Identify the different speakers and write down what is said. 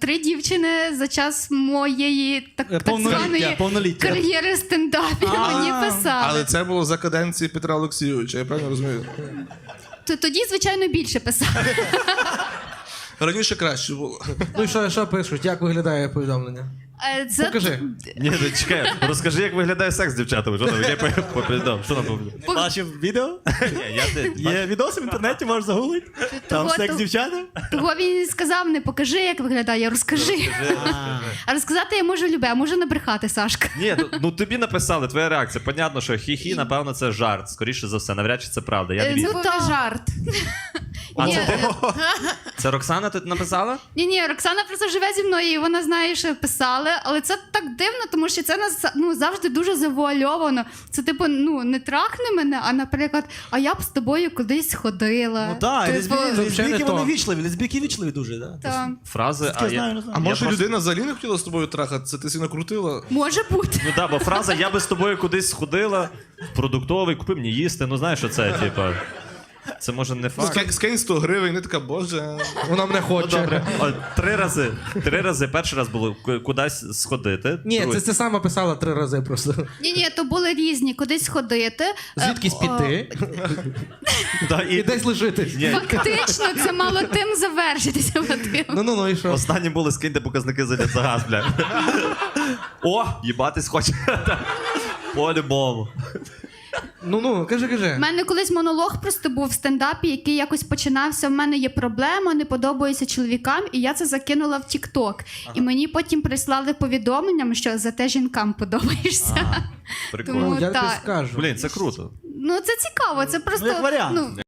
Speaker 1: 3 дівчини за час моєї так званої кар'єри стендапів мені писали.
Speaker 2: Але це було за каденції Петра Олексійовича, я правильно розумію?
Speaker 1: Тоді, звичайно, більше писали.
Speaker 2: Раніше краще було.
Speaker 3: Ну і що пишуть? Як виглядає повідомлення? Покажи.
Speaker 4: Ні, чекай, розкажи, як виглядає секс з дівчатами. Що там? Я повідомив. Що там повідомив?
Speaker 5: Бачив відео? Є відоси в інтернеті, можеш загуглити. Там секс з дівчатами.
Speaker 1: Того він сказав, не покажи, як виглядає, розкажи. А розказати я можу любе, а можу набрехати, Сашка.
Speaker 4: Ні, ну тобі написали, твоя реакція. Понятно, що хі-хі, напевно, це жарт. Скоріше за все, навряд чи це правда. Я не вірю.
Speaker 1: Ну, то жарт.
Speaker 4: А це ти? Це Роксана тут написала?
Speaker 1: Ні, Роксана просто живе зі мною, і вона знає, що писали, але це так дивно, тому що це завжди дуже завуальовано. Це типу, не трахни мене, а, наприклад, а я б з тобою кудись ходила.
Speaker 5: Ну так, лесбійки
Speaker 3: то.
Speaker 5: вони вічливі, лесбійки вічливі дуже, так?
Speaker 1: Та.
Speaker 4: Фрази,
Speaker 5: Я знаю, не знаю.
Speaker 2: А може
Speaker 4: просто-
Speaker 2: людина взагалі не хотіла з тобою трахатися, ти си накрутила?
Speaker 1: Може бути.
Speaker 4: Ну так, бо фраза «я би з тобою кудись сходила, в продуктовий, купи мені їсти». Ну знаєш, що це, типа... Це може не факт.
Speaker 2: Скинь 100 гривень, не така, боже.
Speaker 3: Вона мене
Speaker 4: Ну,
Speaker 3: хоче.
Speaker 4: добре. О, 3 рази. Перший раз було кудись сходити.
Speaker 3: Ні,
Speaker 4: Другий-
Speaker 3: це сама писала 3 рази просто.
Speaker 1: Ні, то були різні, кудись ходити.
Speaker 3: Звідкись піти
Speaker 4: Да,
Speaker 3: і десь лежитись.
Speaker 4: Ні,
Speaker 1: Фактично, це мало тим завершитися, Вадим.
Speaker 3: Ну і що?
Speaker 4: останні були скиньте показники за газ, бля. О, їбатись хоче. По-любому.
Speaker 3: Ну, кажи.
Speaker 1: У мене колись монолог просто був в стендапі, який якось починався. В мене є проблема, не подобаюся чоловікам, і я це закинула в TikTok. І мені потім прислали повідомленням, що зате жінкам подобаєшся.
Speaker 4: Прикольно.
Speaker 1: Тому
Speaker 3: Я тобі
Speaker 1: так.
Speaker 3: скажу.
Speaker 4: Блін, це круто.
Speaker 1: Ну це цікаво, це просто
Speaker 5: як варіант.